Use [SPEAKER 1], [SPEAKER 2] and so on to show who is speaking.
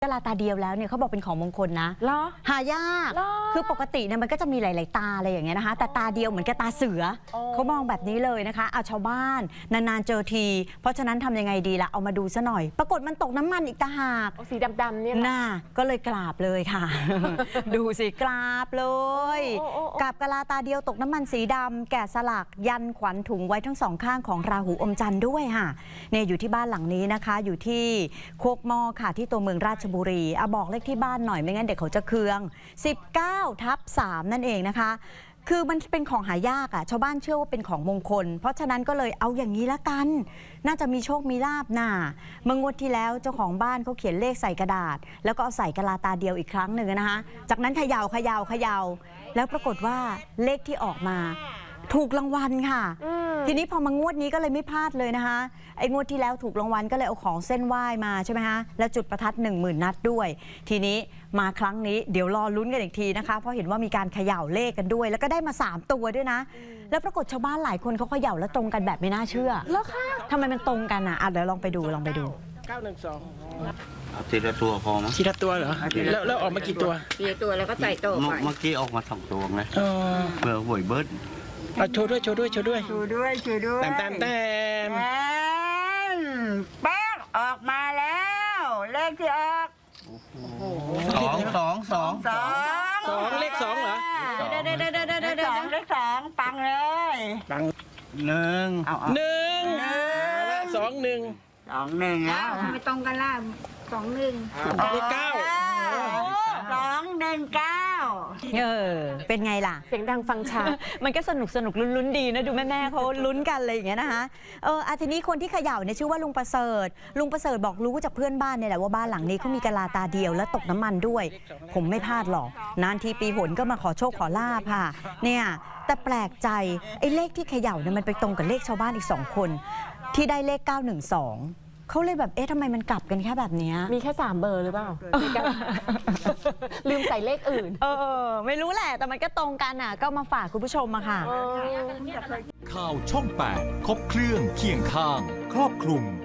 [SPEAKER 1] กะลาตาเดียวแล้วเนี่ยเขาบอกเป็นของมงคลนะหายากคือปกติเนี่ยมันก็จะมีหลายๆตาอะไรอย่างเงี้ยนะคะแต่ตาเดียวเหมือนกับตาเสือเขามองแบบนี้เลยนะคะเอาชาวบ้านนานๆเจอทีเพราะฉะนั้นทำยังไงดีล่ะเอามาดูซะหน่อยปรากฏมันตกน้ำมันอีกต่างหาก
[SPEAKER 2] สีดำๆเนี่ย
[SPEAKER 1] น่าก็เลยกราบเลยค่ะ ดูสิกราบเลยกราบกะลาตาเดียวตกน้ำมันสีดำแกะสลักยันขวัญถุงไว้ทั้งสองข้างของราหูอมจันทร์ด้วยค่ะเนี่ยอยู่ที่บ้านหลังนี้นะคะอยู่ที่โคกหม้อค่ะที่ตัวเมืองราชบุรีบอกเลขที่บ้านหน่อยไม่งั้นเด็กเขาจะเคือง19/3นั่นเองนะคะคือมันเป็นของหายากอ่ะชาวบ้านเชื่อว่าเป็นของมงคลเพราะฉะนั้นก็เลยเอาอย่างนี้ละกันน่าจะมีโชคมีลาภน่ะเมื่องวดที่แล้วเจ้าของบ้านเขาเขียนเลขใส่กระดาษแล้วก็เอาใส่กะลาตาเดียวอีกครั้งหนึ่งนะคะจากนั้นเขย่าแล้วปรากฏว่าเลขที่ออกมาถูกรางวัลค่ะทีนี้พอมางวดนี้ก็เลยไม่พลาดเลยนะคะไอ้งวดที่แล้วถูกรางวัลก็เลยเอาของเส้นไหว้มาใช่ไหมคะแล้วจุดประทัด10,000 นัดด้วยทีนี้มาครั้งนี้เดี๋ยวรอลุ้นกันอีกทีนะคะเพราะเห็นว่ามีการเขย่าเลขกันด้วยแล้วก็ได้มา3 ตัวด้วยนะแล้วปรากฏชาวบ้านหลายคนเขาเขย่าแล้วตรงกันแบบไม่น่าเชื่อแล้วค่ะทำไมมันตรงกันอ่ะเดี๋ยวลองไปดู
[SPEAKER 3] 912ทีละตัวพอมั้ย
[SPEAKER 4] ทีละตัวเหรอแล้วออกมากี่ตัว
[SPEAKER 2] ทีละตัวแล้วก็ใส่โต๊ะไป
[SPEAKER 3] เมื่อกี้ออกมา2 ตัวไงเผื่อหวยเบิร์ด
[SPEAKER 4] โชว์ด้วยแต้ม
[SPEAKER 2] แป้งออกมาแล้วเลขที่ออก
[SPEAKER 3] 2
[SPEAKER 4] เลข2เหรอ
[SPEAKER 2] เลข 2ปังเลย
[SPEAKER 3] ปัง1
[SPEAKER 4] 2 1
[SPEAKER 2] แล้วไม่ตรงกันล่ะ21
[SPEAKER 4] เลข9
[SPEAKER 2] 219
[SPEAKER 1] เป็นไงล่ะ
[SPEAKER 2] เสียงดังฟังชัด
[SPEAKER 1] มันก็สนุกลุ้นดีนะดูแม่เขาลุ้นกันอะไรอย่างเงี้ยนะคะทีนี้คนที่เขย่าเนี่ยชื่อว่าลุงประเสริฐบอกรู้จากเพื่อนบ้านเนี่ยแหละว่าบ้านหลังนี้เขามีกะลาตาเดียวและตกน้ำมันด้วยผมไม่พลาดหรอกนานทีปีหนก็มาขอโชคขอลาภค่ะเนี่ยแต่แปลกใจไอ้เลขที่เขย่าเนี่ยมันไปตรงกับเลขชาวบ้านอีก2 คนที่ได้เลข912เขาเลยแบบทำไมมันกลับกันแค่แบบนี้
[SPEAKER 2] มีแค่3 เบอร์หรือเปล่าลืมใส่เลขอื่น
[SPEAKER 1] ไม่รู้แหละแต่มันก็ตรงกันอ่ะก็มาฝากคุณผู้ชมมาค่ะ
[SPEAKER 5] ข่าวช่อง 8 ครบเครื่องเคียงข้างครอบคลุม